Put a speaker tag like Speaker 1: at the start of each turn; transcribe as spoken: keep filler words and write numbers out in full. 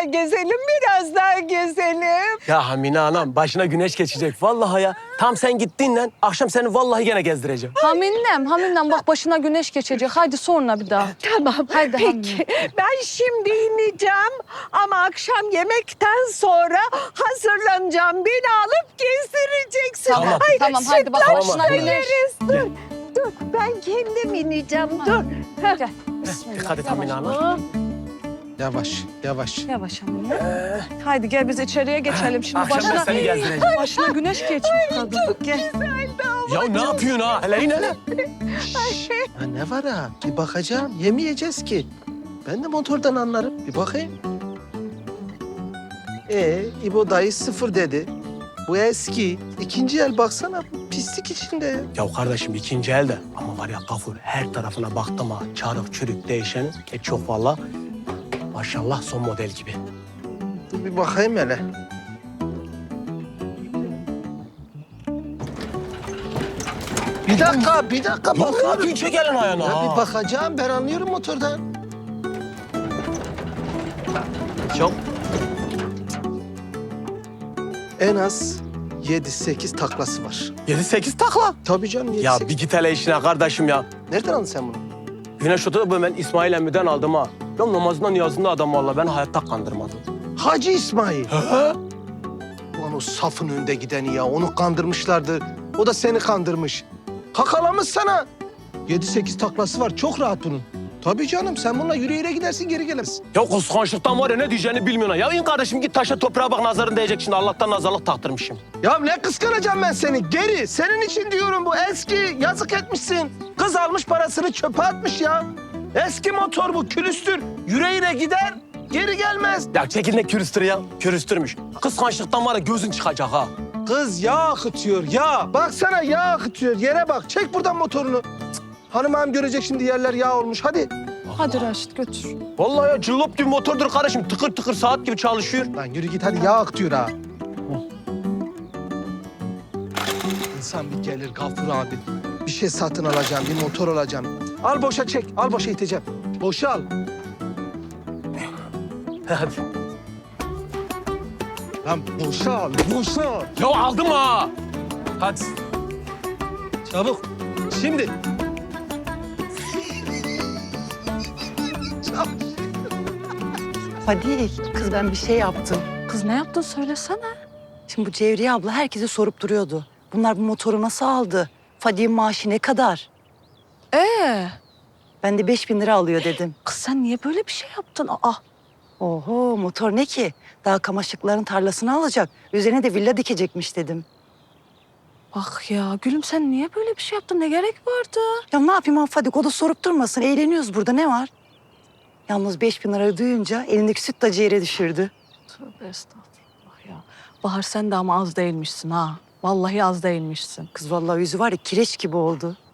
Speaker 1: daha gezelim, biraz daha gezelim.
Speaker 2: Ya Hamine anam başına güneş geçecek. Vallahi ya. Tam sen gittin lan. Akşam seni vallahi gene gezdireceğim.
Speaker 3: Haminem, Haminem bak başına güneş geçecek. Haydi sonra bir daha.
Speaker 1: Tamam,
Speaker 3: Haydi
Speaker 1: peki. Ben şimdi ineceğim ama akşam yemekten sonra hazırlanacağım. Beni alıp gezdireceksin.
Speaker 3: Tamam,
Speaker 1: Ay,
Speaker 3: tamam, haydi bak,
Speaker 1: sütlaç
Speaker 3: başına
Speaker 1: da
Speaker 3: güneş.
Speaker 1: yeriz. Dur, dur. Ben kendim ineceğim, dur.
Speaker 3: Gel. Bismillah.
Speaker 2: Dikkat et Hamine
Speaker 3: Yavaş.
Speaker 2: anam.
Speaker 4: Yavaş, yavaş.
Speaker 3: Yavaş Hamine. Haydi gel biz içeriye geçelim şimdi.
Speaker 2: Akşam ben
Speaker 3: Başına,
Speaker 2: seni gezdireceğim.
Speaker 3: başına güneş geçmiş kadın. Gel.
Speaker 2: Ya ne yapıyorsun ha? Hele in hele.
Speaker 4: Ha, ne var ha? Bir bakacağım. Yemeyeceğiz ki. Ben de motordan anlarım. Bir bakayım. Ee, İbo dayı sıfır dedi. Bu eski. İkinci el baksana. Pislik içinde ya.
Speaker 2: Ya kardeşim ikinci elde. Ama var ya Gafur her tarafına baktım ha. Çarık çürük değişeni. E çok valla. Maşallah son model gibi.
Speaker 4: Dur bir bakayım hele. Bir dakika, bir dakika
Speaker 2: Ya ne
Speaker 4: bakalım.
Speaker 2: yapıyorsun? Çek elini ayağına.
Speaker 4: Ya
Speaker 2: ha.
Speaker 4: bir bakacağım. Ben anlıyorum motordan.
Speaker 2: Çok.
Speaker 4: En az yedi sekiz taklası var.
Speaker 2: Yedi sekiz takla.
Speaker 4: Tabii canım yedi
Speaker 2: Ya
Speaker 4: sekiz.
Speaker 2: bir git hele işine kardeşim ya.
Speaker 4: Nereden aldın sen bunu?
Speaker 2: Güneş otu ben İsmail Emmi'den aldım ha. Ya namazında niyazında adam valla ben hayatta kandırmadım.
Speaker 4: Hacı İsmail.
Speaker 2: He?
Speaker 4: Ulan o safın önde gideni ya. Onu kandırmışlardı. O da seni kandırmış. Kakalamış sana. Yedi sekiz taklası var. Çok rahat bunun. Tabii canım. Sen bununla yürüyerek gidersin, geri gelirsin.
Speaker 2: Ya kıskançlıktan var ya ne diyeceğini bilmiyorsun ha. Ya in kardeşim git taşa toprağa bak nazarın değecek şimdi. Allah'tan nazarlık taktırmışım.
Speaker 4: Ya ne kıskanacağım ben seni? Geri. Senin için diyorum bu eski. Yazık etmişsin. Kız almış parasını çöpe atmış ya. Eski motor bu. Külüstür. Yüreğine gider. Geri gelmez.
Speaker 2: Ya çekil ne kürüstür ya. Kürüstürmüş. Kıskançlıktan var ya gözün çıkacak ha.
Speaker 4: Kız yağ akıtıyor yağ. Baksana yağ akıtıyor. Yere bak. Çek buradan motorunu. Cık. Hanım ağam görecek şimdi yerler yağ olmuş. Hadi.
Speaker 3: Hadi Raşit götür.
Speaker 2: Vallahi ya cillop gibi motordur kardeşim. Tıkır tıkır saat gibi çalışıyor.
Speaker 4: Lan yürü git hadi yağ akıtıyor ha. İnsan bir gelir Gafur abi. Bir şey satın alacağım, bir motor alacağım. Al boşa çek, al boşa iteceğim. Boşa al.
Speaker 2: Hadi.
Speaker 4: Lan boşa al, boşa al.
Speaker 2: Ya aldım ha. Hadi.
Speaker 4: Çabuk. Şimdi. Çabuk.
Speaker 5: Fadil, kız ben bir şey yaptım.
Speaker 3: Kız ne yaptın söylesene.
Speaker 5: Şimdi bu Cevriye abla herkese sorup duruyordu. Bunlar bu motoru nasıl aldı? Fadil'in maaşı ne kadar?
Speaker 3: Ee,
Speaker 5: Ben de beş bin lira alıyor dedim.
Speaker 3: kız sen niye böyle bir şey yaptın? Aa,
Speaker 5: Oho, motor ne ki? Daha kamaşıkların tarlasını alacak. Üzerine de villa dikecekmiş dedim.
Speaker 3: bak ya gülüm sen niye böyle bir şey yaptın? Ne gerek vardı?
Speaker 5: Ya ne yapayım han Fadik, o da sorup durmasın. Eğleniyoruz burada, ne var? Yalnız beş bin lirayı duyunca elindeki sütlacı yere düşürdü.
Speaker 3: Tövbe estağfurullah ya. Bahar sen de ama az değilmişsin ha. Vallahi az değilmişsin.
Speaker 5: Kız vallahi yüzü var ya kireç gibi oldu.